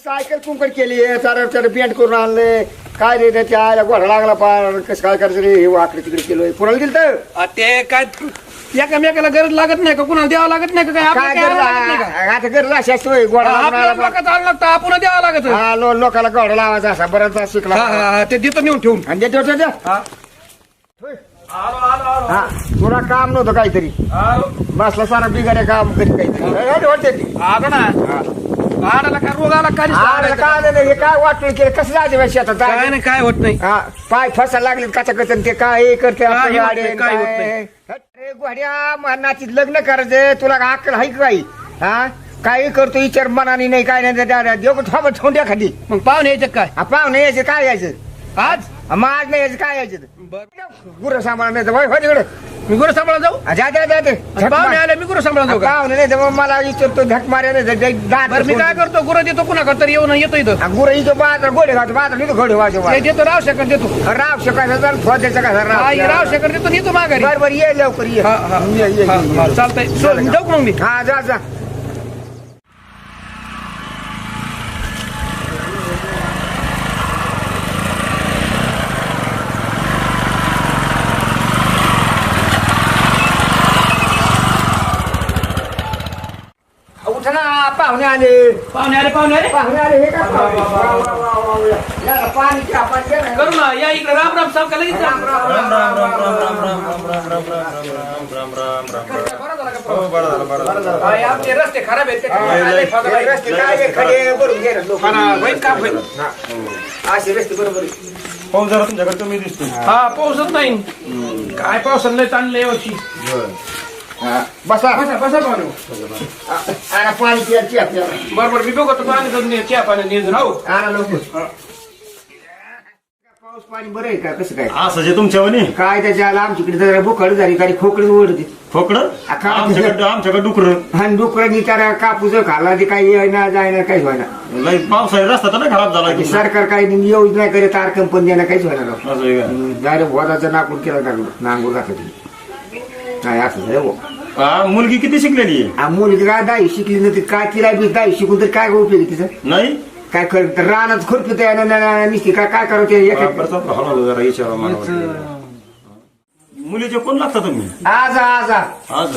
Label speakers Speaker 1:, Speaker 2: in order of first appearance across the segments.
Speaker 1: Cycle कुंकड केली चार paint करून आणले काय रे त्याच्या आयला घोडा लागला पार कसं काय करायचं रे हे वाकडे तिकडे केलोय कुणाला दिलं तर
Speaker 2: ते काय एकामेकाला गरज लागत नाही का कुणाला द्यावं लागत नाही का काय
Speaker 1: काय
Speaker 2: आपल्याला काय लागत नाही का?
Speaker 1: आता गरज अशी असतोय घोडा लागून
Speaker 2: आपल्याला
Speaker 1: आला
Speaker 2: लोकांचं आणलं लागतं आपण द्यावं लागत
Speaker 1: हा लोकाला घोडा लावायचा असा बराच शिकला
Speaker 2: ते देतो नेऊन ठेवून
Speaker 1: आणि देतो होतं त्या?
Speaker 2: हा.
Speaker 1: होय.
Speaker 2: आलो आलो आलो
Speaker 1: हा तुला काम नव्हतं काहीतरी
Speaker 2: आलो
Speaker 1: बसला सारा बिगाड्या काम करीत काहीतरी वाटते ती
Speaker 2: आलो ना आडाला काय रोग आला काय
Speaker 1: अरे काय नाही हे काय वाटलं केलं कसं जायचं शेतात
Speaker 2: काय नाही काय होत नाही
Speaker 1: हा पाय फसायला लागले काचा कचन ते काय हे करते
Speaker 2: काय
Speaker 1: आपल्या
Speaker 2: होत नाही,
Speaker 1: गाडी,
Speaker 2: काय होत
Speaker 1: काय.
Speaker 2: नाही.
Speaker 1: अरे घोड्या मनाची लग्न करायचं तुला अक्कल आहे का काही हा काही करतो विचार मनाने नाही काय नाही देऊ थांबा ठोंड्या खाली
Speaker 2: मग पाहुणे यायचं काय
Speaker 1: पाहुणे यायचं काय यायचं
Speaker 2: आज
Speaker 1: मग आज नाही यायचं काय यायचं
Speaker 2: बर
Speaker 1: गुरं सांभाळा नाही तर वय हो तिकडे
Speaker 2: मी गुरु सांभाळा जाऊ
Speaker 1: जाते
Speaker 2: पाहुणे आले मी गुरु सांभाळा जाऊ का
Speaker 1: पाहुणे नाही तर मग मला विचारतो धक मारे
Speaker 2: बरं मी काय करतो गुरु देतो कुणाकडे तरी येऊन येतो इथं
Speaker 1: गुरं इथं बाजार घोडे घालतो बाजार नाही घोडे वाजव
Speaker 2: ते देतो राव शेकर देतो
Speaker 1: राव शिकायचा फोडायचा का
Speaker 2: राव शेकर देतो येतो माघारी
Speaker 1: बरोबर ये लवकर ये
Speaker 2: हा, हा.
Speaker 1: ये.
Speaker 2: हा, चालतंय जाऊ का मग मी
Speaker 1: हा जा उठा ना पाहुणे आले
Speaker 2: पाहुणे आले
Speaker 1: पाहुणे आले हे काय पाणी घ्या, पाणी घ्या ना.
Speaker 2: करू ना या इकडे राम राम सावका लगेच जा. हा, आमचे रस्ते खराब आहेत
Speaker 1: हे रस्ते काय हे खडे भरून घे ना लोक.
Speaker 2: होईल काम होईल
Speaker 1: असे रस्ते बरोबर आहे.
Speaker 3: पाऊस जरा तुमच्याकडे कमी दिसतो.
Speaker 2: हा पाऊसच नाही काय पावसानं लय चांगलं यावर्षी
Speaker 1: हा, बसा
Speaker 2: बसा बसा पाहुणे
Speaker 1: आणा पाणी प्यायची आपल्याला
Speaker 2: बरोबर मी बघतो पाणी करून चहा पाणी नियोजन हो
Speaker 1: आणा लवकर पाऊस पाणी बरं आहे का कसं काय
Speaker 3: असं जे तुमच्यावानी
Speaker 1: काय त्याच्या आला आमच्याकडे जरा बुखड झाली काही खोकडी ओढते
Speaker 3: खोकडं
Speaker 1: अख्खा
Speaker 3: आमच्याकडे डुकर
Speaker 1: आणि डुकरांनी त्याला कापूस खाला ते काही येईना जायना काहीच व्हायना
Speaker 3: लय पावसाळी रस्ता तर नाही खराब झाला
Speaker 1: ते सरकार काही योजना करे तार कंपनी द्यायला काहीच व्हायना राव.
Speaker 3: असं आहे का?
Speaker 1: डायरेक्ट वदाचा नाकूर केला नांगूर घातला नाही असं झालं हो.
Speaker 3: हा, मुलगी किती शिकलेली आहे?
Speaker 1: मुलगी काय दाई शिकली नव्हती काय तिला बी दाई शिकून तर काय उपयोग तिचं
Speaker 3: नाही
Speaker 1: काय कर रानात खुरपी निसती काय काय करावं ते एक-
Speaker 3: बरं, चालतं, हळूहळू जरा विचारा मला. मुलीचे कोण लागता तुम्ही
Speaker 1: आज आज
Speaker 3: आज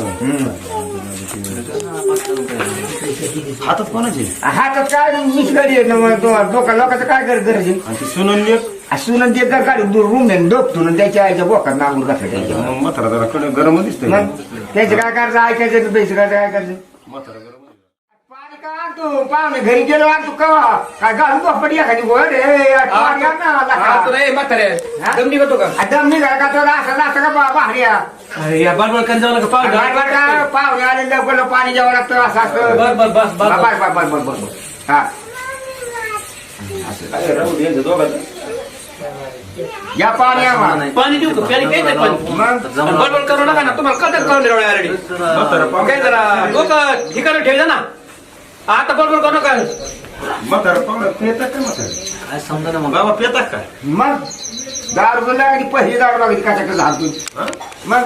Speaker 3: हातात कोणाचे
Speaker 1: हातात काय मिस गाडी आहे ना मग लोकांचं काय करत गरज आहे?
Speaker 3: आणि ती सुनली एक
Speaker 1: सुनंद ते गाडी रूम नाही डोपतो त्याच्या आईच्या बोकात नांगूर घातलं त्याच्या
Speaker 3: म्हातारा जरा कडे गरम दिसतंय.
Speaker 1: मग त्याचं काय करायचं ऐकायचं पैसे काय करायचं
Speaker 3: म्हातारा गरम
Speaker 1: पाणी का आणतो पाहुणे घरी गेलो आणतो कवा काय घालून पडी एखादी गोड पाणी आण ना
Speaker 2: हा, तुला हे म्हातारे दम निघतो का
Speaker 1: दम निघाला का तो असं का भाड्या
Speaker 2: अरे, या बडबड करत जाऊ नका पाहुणे
Speaker 1: पाहुणे आले लवकर पाणी द्यावं लागतं असं असतं
Speaker 2: बर बर बस बस
Speaker 1: बस हा या पाणी आम्हाला
Speaker 2: पाणी देऊ का प्यारी प्यायचं पाणी
Speaker 1: मग
Speaker 2: बडबड करू नका ना तुम्हाला कळत करून दिलं ऑलरेडी काय जरा लोक ठिकाणी ठेवलं ना आता बडबड करू नका
Speaker 3: म्हातारा पेतात काय म्हातारा
Speaker 2: समजा ना
Speaker 3: बाबा पेतात काय
Speaker 1: मग दारू लागली पहिली दारू लागली कशाकडे घालतो मग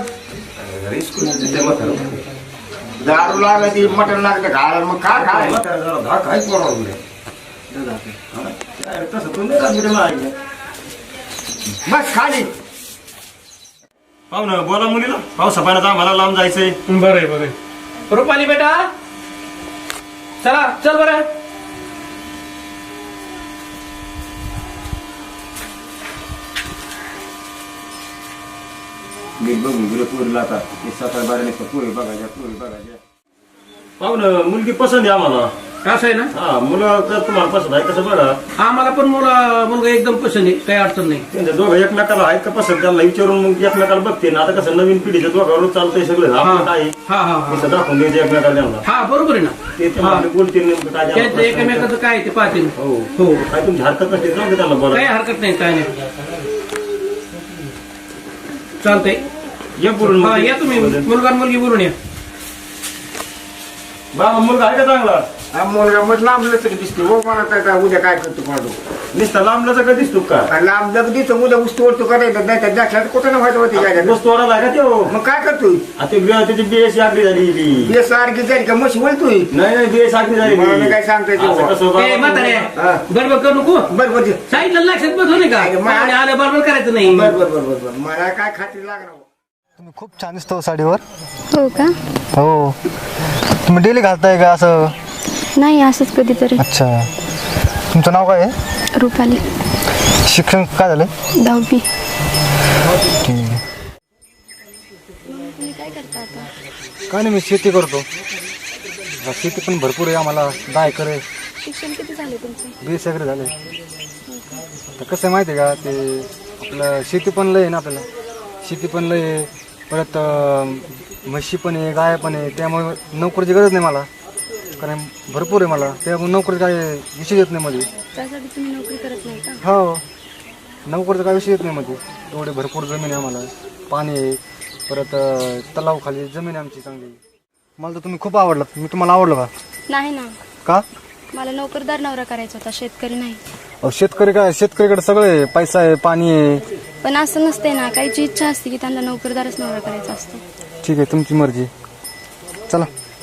Speaker 1: दारू लागली मटण लागलं घाल मग काय खाय
Speaker 3: तसं तुम्ही
Speaker 1: बस खाली
Speaker 3: पाहू ना बोला मुलीला पावसा पाण्यात आम्हाला लांब जायचंय.
Speaker 2: बरं आहे बरं आहे रुपाली बेटा चला चल बरं
Speaker 1: मी बघून गेलो पोरीला आता ते 7-12 पोरी बघायच्या
Speaker 3: पाहू ना मुलगी पसंत आहे आम्हाला.
Speaker 2: असं आहे ना
Speaker 3: हा मुलं जर तुम्हाला पसंत आहे कसं बघा
Speaker 2: आम्हाला पण मुलगा एकदम पसंत आहे काही अडचण नाही
Speaker 3: त्यांच्या दोघं एकमेकाला आहेत का पसंत त्यांना विचारून मग एकमेकाला बघते ना. आता कसं नवीन पिढीच्या दोघांवर चालतंय सगळं आपलं काय आहे,
Speaker 2: हा हा हा
Speaker 3: तसं दाखवून द्यायचं एकमेकाला त्यांना
Speaker 2: हा बरोबर आहे ना
Speaker 3: ते आपले बोलतील नेमकं काय
Speaker 2: त्यांचं
Speaker 3: त्यांना
Speaker 2: एकमेकाचं काय ते पाहतील
Speaker 3: हो
Speaker 2: हो
Speaker 3: काय तुमची हरकत नसते जाऊ दे त्यांना
Speaker 2: काही
Speaker 3: बोला.
Speaker 2: हरकत नाही काय नाही चालतंय
Speaker 3: या बोलून
Speaker 2: हा या तुम्ही मुलगा आणि मुलगी बोलून या
Speaker 3: बाबा मुलगा आहे का चांगला
Speaker 1: हा मुलगा मग लांबलं तरी दिसतो हो मला काय उद्या काय करतो कोणाला
Speaker 3: नुसता लांबलाचा का दिसतो का
Speaker 1: लांब लग दिसतो उद्या ऊस तोडतो करायचं नाही तर दाखल्यात कुठं ना व्हायचं होती काय
Speaker 3: ऊस तोडायला का त्यो
Speaker 1: मग काय करतोय
Speaker 3: त्याची बीएससी आगरी झाली ती.
Speaker 1: सारखी जाईल का मशी बोलतोय
Speaker 3: नाही बीएस आगरी झाली
Speaker 1: मला मी काय सांगतोय ते.
Speaker 3: असं कसं
Speaker 2: ए, म्हातारे
Speaker 1: हा.
Speaker 2: बडबड करू नको
Speaker 1: बरं बरं
Speaker 2: सांगितलं लक्षात बसलं नाही का
Speaker 1: नाही, मा-
Speaker 2: पाहुणे आलं बरोबर करायचं नाही
Speaker 1: बरं बरं बरं बरं मला काय खात्री लागणार
Speaker 4: तुम्ही खूप छान दिसतो साडीवर.
Speaker 5: हो का?
Speaker 4: हो. तुम्ही डेली घालताय का असं?
Speaker 5: नाही असंच कधीतरी.
Speaker 4: अच्छा. तुमचं नाव काय आहे?
Speaker 5: रुपाली.
Speaker 4: शिक्षण काय झालं?
Speaker 5: 10वी.
Speaker 4: ठीक आहे.
Speaker 5: तुम्ही काय करता आता?
Speaker 4: काय नाही, मी शेती करतो. शेती पण भरपूर आहे आम्हाला. 10 एकर आहे.
Speaker 5: शिक्षण किती झाले तुमचं?
Speaker 4: 20 एकर झाले. तर कसं आहे माहिती आहे का, ते आपलं शेती पण लय आहे ना आपल्याला. शेती पण लय आहे, परत म्हशी पण आहे, गाय पण आहे. त्यामुळे नोकरीची गरज नाही मला, कारण भरपूर आहे मला. त्यामुळे नोकरी काय विषय येत नाही मध्ये.
Speaker 5: त्यासाठी तुम्ही नोकरी करत नाही का?
Speaker 4: हो, नोकरीचा काय विषय येत नाही मध्ये. एवढे भरपूर जमीन आहे आम्हाला, पाणी आहे, परत तलावाखाली जमीन आहे आमची चांगली. मला तर तुम्ही खूप आवडलं. मी तुम्हाला आवडलो का?
Speaker 5: नाही ना,
Speaker 4: का?
Speaker 5: मला नोकरदार नवरा करायचा होता, शेतकरी नाही.
Speaker 4: अहो, शेतकरी काय, शेतकरीकडे सगळं आहे, पैसा आहे, पाणी आहे.
Speaker 5: पण असं नसते ना, काहीची इच्छा असते की त्यांना नोकरदारच नवरा करायचा असतो.
Speaker 4: ठीक आहे, तुमची मर्जी. चला.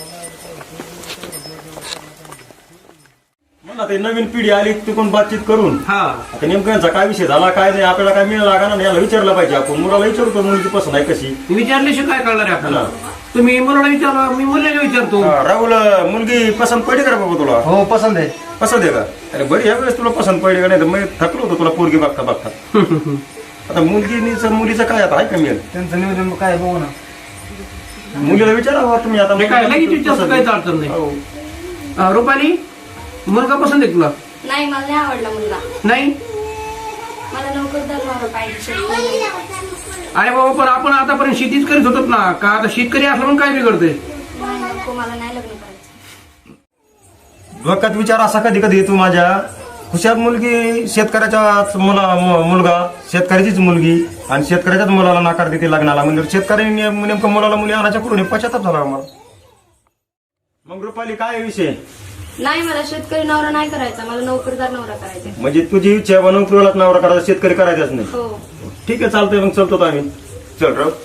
Speaker 3: मला ते नवीन पिढी आली तिकडून बातचीत करून
Speaker 2: हा
Speaker 3: आता नेमकं यांचा काय विषय झाला काय नाही आपल्याला काय मिळाला का नाही याला विचारलं पाहिजे. आपण मुलाला विचारतो मुलगी पसंत आहे कशी.
Speaker 2: विचारल्याशिवाय काय कळणार आहे आपल्याला?
Speaker 3: हा.
Speaker 2: तुम्ही मुलाला विचारा, मी मुलाला विचारतो.
Speaker 3: राहुल मुलगी पसंत पडली का रे बाबा तुला?
Speaker 4: हो, पसंत आहे.
Speaker 3: पसंत आहे का? अरे बरी ह्या वेळेस तुला पसंत पडली का नाही तर मी थकलो होतो तुला पोरगी बघता बघता. आता मुलीचं काय आता आहे का मिळेल
Speaker 4: त्यांचं नियोजन काय बघू ना.
Speaker 3: मुलीला विचारा तुम्ही आता.
Speaker 2: हे काय लगेच विचारतो, काहीच अडचण नाही.
Speaker 3: हो.
Speaker 2: रुपाली, मुलगा पसंत आहे तुला?
Speaker 5: नाही, मला नाही आवडला मुलगा.
Speaker 2: नाही.
Speaker 5: मला नोकरदार नवरा पाहिजे, शेतकरी नाही.
Speaker 2: अरे बाबा, पण आपण आतापर्यंत शेतीच करीत होतो ना, का आता शेतकरी असलं म्हणून काय बिघडतंय?
Speaker 5: नाही, नको, मला नाही लग्न करायचं.
Speaker 3: डोक्यात विचार असा कधी कधी येतो माझ्या, हुशार मुलगी शेतकऱ्याचा मुलगा शेतकऱ्याचीच मुलगी आणि शेतकऱ्याच्याच मुलाला नाकार देते लग्नाला. म्हणजे शेतकऱ्यांनी नेमकं मुलाला मुली आणायच्या कुठून पश्चाताप झाला आम्हाला. मग रुपाली काय विषय?
Speaker 5: नाही, मला शेतकरी नवरा नाही करायचा, मला नोकरदार नवरा करायचा.
Speaker 3: म्हणजे तुझी इच्छा आहे नोकरीलाच नवरा करायचा, शेतकरी करायचाच नाही.
Speaker 5: हो.
Speaker 3: ठीक आहे, चालतंय. मग चलतो आम्ही. चल राव.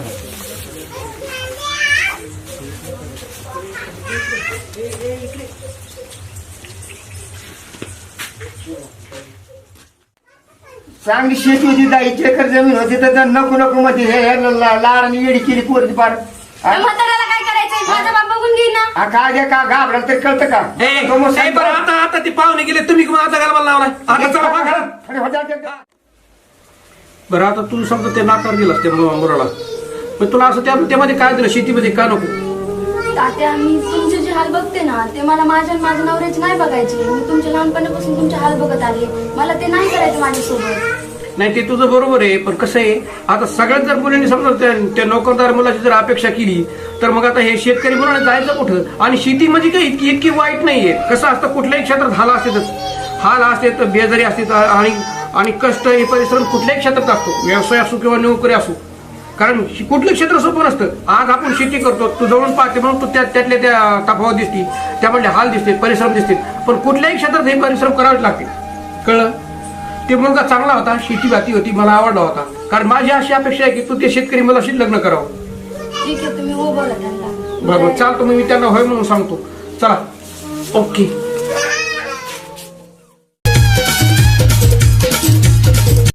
Speaker 1: चांगली शेती होती 10 एकर जमीन होती तर नको नको मध्ये हे लाडाने येडी केली पोरती पार.
Speaker 5: त्या म्हाताऱ्याला काय करायचंय? माझा बाप बघून घेईन ना.
Speaker 1: काय जे का घाबराल तरी कळतं का?
Speaker 2: ए,
Speaker 1: तो मग
Speaker 2: ए, बरं, आता ते पाहुणे गेले, तुम्ही मग आता घालवायला लावलाय. आता चला बा घरात.
Speaker 1: अरे हो जा.
Speaker 2: बरं, आता तू समजा ते नाकार दिलास त्या मुलाला, पण तुला असं त्यामध्ये काय दिलं शेतीमध्ये का नको?
Speaker 5: तात्या, मी तुमचे जे हाल बघते ना ते मला माझ्या नवऱ्याचे नाही बघायचे. मी तुमच्या लहानपणापासून तुमचे हाल बघत आले, मला ते नाही करायचं माझ्यासोबत.
Speaker 2: नाही, ते तुझं बरोबर आहे, पण कसं आहे, आता सगळ्यात जर मुलांनी समजा त्या नोकरदार मुलाची जर अपेक्षा केली तर मग आता हे शेतकरी मुलांना जायचं कुठं? आणि शेती म्हणजे काही इतकी वाईट नाहीये. कसं असतं, कुठल्याही क्षेत्रात हाल असते तर बेजारी असते आणि कष्ट हे परिश्रम कुठल्याही क्षेत्रात असतो, व्यवसाय असो किंवा नोकरी असो. कारण कुठलं क्षेत्र सोपं नसतं. आज आपण शेती करतो, तू जवळून पाहते म्हणून तू त्यातल्या त्या तफावत दिसती, त्यामध्ये हाल दिसते, परिश्रम दिसते. पण कुठल्याही क्षेत्रात हे परिश्रम करावेच लागते. कळलं? ते मुलगा चांगला होता, शेती भाती होती, मला आवडला होता. कारण माझी अशी अपेक्षा आहे की तू ते शेतकरी मुलाशी लग्न करावं.
Speaker 5: ठीक आहे, तुम्ही हो बोला त्यांना.
Speaker 2: बरोबर, चालतो. मी त्यांना होय म्हणून सांगतो. चला. ओके.